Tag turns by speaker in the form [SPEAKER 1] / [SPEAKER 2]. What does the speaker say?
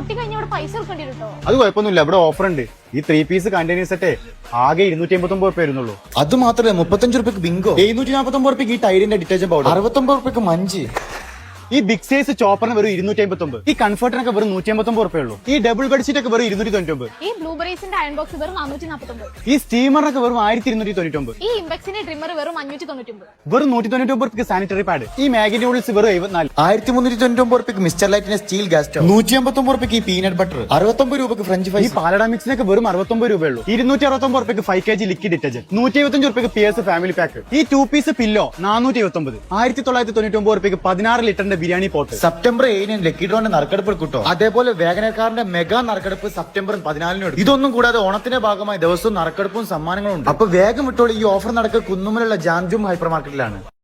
[SPEAKER 1] പൊട്ടി കഴിഞ്ഞ ഇവിടെ പൈസ കൊടുക്കേണ്ടി കേട്ടോ.
[SPEAKER 2] അത് കുഴപ്പമൊന്നുമില്ല, ഇവിടെ ഓഫർ ഉണ്ട്. ഈ 3 പീസ് കണ്ടെയ്നർ സെറ്റ് ആകെ 289 രൂപ വരുന്നുള്ളൂ.
[SPEAKER 3] അത് മാത്രമല്ല 35 രൂപയ്ക്ക് ബിങ്കോ, 749 രൂപയ്ക്ക് ഈ ടൈഡിന്റെ ഡിറ്റർജന്റ് പൗഡർ, 69 രൂപയ്ക്ക് മഞ്ചി.
[SPEAKER 2] ഈ ബിഗ് സൈസ് ചോപ്പറിന് വെറും 259. ഈ കംഫർട്ടിനൊക്കെ വെറും 189 രൂപയുള്ളൂ. ഈ ഡബിൾ ബെഡ്ഷീറ്റ് ഒക്കെ വെറും 299.
[SPEAKER 1] ഈ ബ്ലൂബെറീസിന്റെ അയൺ ബോക്സ് വെറും 449.
[SPEAKER 2] ഈ സ്റ്റീമറിനൊക്കെ വെറും 1299.
[SPEAKER 1] ഈ ഇംപെക്സിന്റെ ട്രിമ്മർ വെറും 599.
[SPEAKER 2] വെറും 199 രൂപയ്ക്ക് സാനിറ്ററി പാഡ്. ഈ മാഗി നൂഡിൽസ് വെറും 74.
[SPEAKER 3] 1399 രൂപയ്ക്ക് മിസ്റ്റർ ലൈറ്റിന്റെ സ്റ്റീൽ ഗ്യാസ് സ്റ്റവ്, 189 രൂപയ്ക്ക് ഈ പീനട്ട് ബട്ടർ, 69 രൂപയ്ക്ക് ഫ്രഞ്ച്
[SPEAKER 2] ഈ
[SPEAKER 3] ഫ്രൈസ്.
[SPEAKER 2] പാലട മിക്സിനൊക്കെ വെറും 69 രൂപയുള്ളൂ. 269 രൂപയ്ക്ക് 5 kg ലിക്വിഡ് ഡിറ്റർജന്റ്, 175 രൂപയ്ക്ക് PS ഫാമിലി പാക്ക്. ഈ 2 പീസ് പില്ലോ 479. 1999 രൂപയ്ക്ക് 16 ലിറ്ററിന്റെ ബിരിയാണി പോട്ട്.
[SPEAKER 3] സെപ്റ്റംബർ 7 ലക്കി ഡ്രോന്റെ നറുക്കെടുപ്പ് കിട്ടോ. അതേപോലെ വേഗനക്കാരന്റെ മെഗാ നറുക്കെടുപ്പ് സെപ്റ്റംബർ 14 ഇതൊന്നും കൂടാതെ ഓണത്തിന്റെ ഭാഗമായി ദിവസവും നറുക്കെടുപ്പും സമ്മാനങ്ങളും ഉണ്ട്. അപ്പൊ വേഗം വിട്ടോളൂ, ഈ ഓഫർ നടക്കുക കുന്നുമലുള്ള ജാംജും ഹൈപ്പർ മാർക്കറ്റിലാണ്.